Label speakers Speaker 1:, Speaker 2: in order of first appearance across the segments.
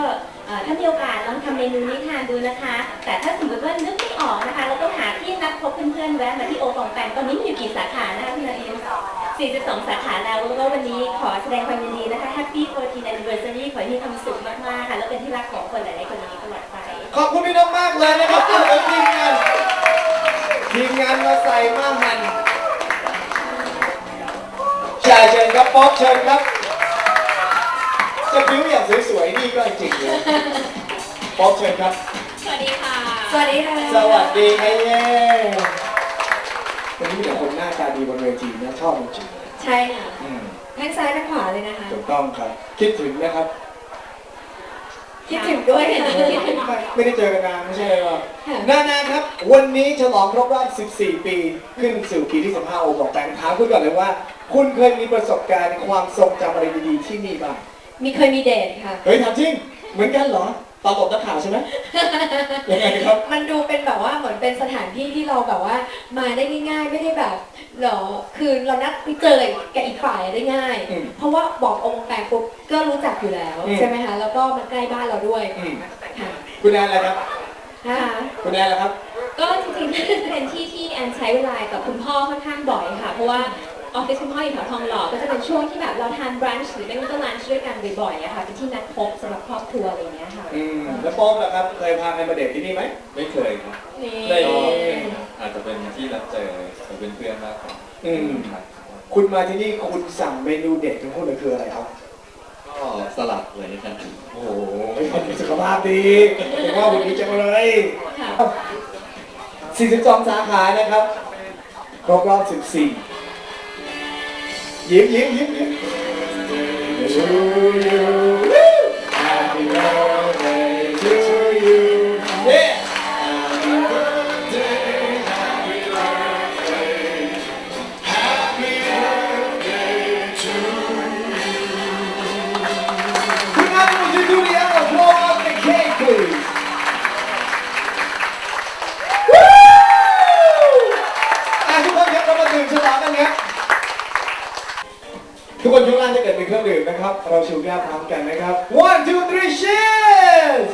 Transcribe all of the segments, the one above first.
Speaker 1: ถ้ามีโอกาสลองทำเมนูนี้ทานดูนะคะแต่ถ้าสมมติว่านึกไม่ออกนะคะเราก็หาที่นัดพบเพื่อนๆแวะมาที่โอปองแปงตอนนี้มีอยู่กี่สาขานะคะพี่นาอิน42 สาขาแล้วก็วันนี้ขอแสดงความยินดีนะคะ Happy 14th Anniversary ขอให้มีความสุขมากๆค่ะแล้วเป็นที่รักของคนหลายๆคนนี้ตลอดไป
Speaker 2: ขอบคุณพี่นกมากเลยนะครับทีมงานมาใส่มากมันเชิญครับป๊อปเชิญครับจะบิ้วอย่างสวยๆนี่ก็จริงเลยป๊อปเชิญครับ
Speaker 1: สวัสดีค่ะสวัสดีค่ะ
Speaker 2: สวัสดีครับเย้วันนี้มีแต่คนหน้าตาดีบนเวทีนะชอบจริง
Speaker 1: ๆใช่ค่ะทั้งซ้ายทั้งขวาเลยนะคะ
Speaker 2: ถูกต้องครับคิดถึงนะครับ
Speaker 1: คิดถึงด้วย
Speaker 2: ไม่ได้เจอกันนานไม่ใช่เลยหรอนาครับวันนี้ฉลองครบรอบ14 ปีขึ้นสู่ปีที่15โอบอกแต่งถามคุณก่อนเลยว่าคุณเคยมีประสบการณ์ความทรงจำอะไรดีๆที่นี่บ้าง
Speaker 1: เคยมีเดทค่ะ
Speaker 2: เฮ้ยถามจริงเหมือนกันเหรอตอนตบนักข่าวใช่ไหมยังไงครับ
Speaker 1: มันดูเป็นแบบว่าเหมือนเป็นสถานที่ที่เราแบบว่ามาได้ง่ายๆไม่ได้แบบหรอคือเรานัดไปเจอกับอีกฝ่ายได้ง่ายเพราะว่าบอกองค์แปลปุ๊บก็รู้จักอยู่แล้วใช่ไหมคะแล้วก็มันใกล้บ้านเราด้วย
Speaker 2: คุณแอนอะไรครับคุณแอนอะไรครับ
Speaker 1: ก็จริงๆเป็นที่ที่แอนใช้เวลากับคุณพ่อค่อนข้างบ่อยค่ะเพราะว่าออฟฟิศคุณพ่ออยู่แถวทองหล่อก็จะเป็นช่วงที่แบบเราทานบรันช์หรือไม่ก็ลันช์ด้วยกันบ่อยๆอะค่ะเป็นที่นัดพบสำหรับครอบครัวอะไรอย่างเงี้ยค่ะ
Speaker 2: แล้วโป๊มล่ะครับเคยพาใครมาเดทที่นี่ไหม
Speaker 3: ไม่เคยครับอาจจะเป็นที่นัดเจอกับเพื่อนๆมากกว่า
Speaker 2: คุณมาที่นี่คุณสั่งเมนูเด็ดของคุณเลยคืออะไรครับ
Speaker 3: ก็สลัดเลยครับ
Speaker 2: โอ้โหสุขภาพดีผมว่าวันนี้จะมาเลย42 สาขานะครับครบรอบ14ยิ้มTo you Happy birthday to you Yeah Happy birthday Happy birthday Happy birthday to you Good night, would you do the other blow up the cake please Woo ทุกคนครับเรามาดื่มฉลองกันครับทุกคนยกล่างจะเกิดเป็นเครื่องดื่มนะครับเราชิมแก้วพร้อมกันนะครับ one two three cheers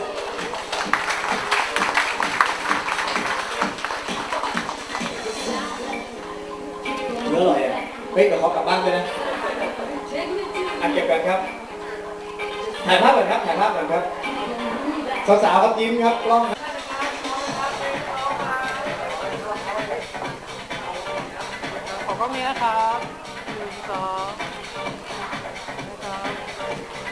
Speaker 2: เนื้ออร่อยอ่ะเฮ้ยเดี๋ยวเขากลับบ้านไปนะเก็บกันครับถ่ายภาพก่อนครับสาวๆครับยิ้มครับกล้อง
Speaker 4: ขอกล้องนี้นะครับ1 2นะครับ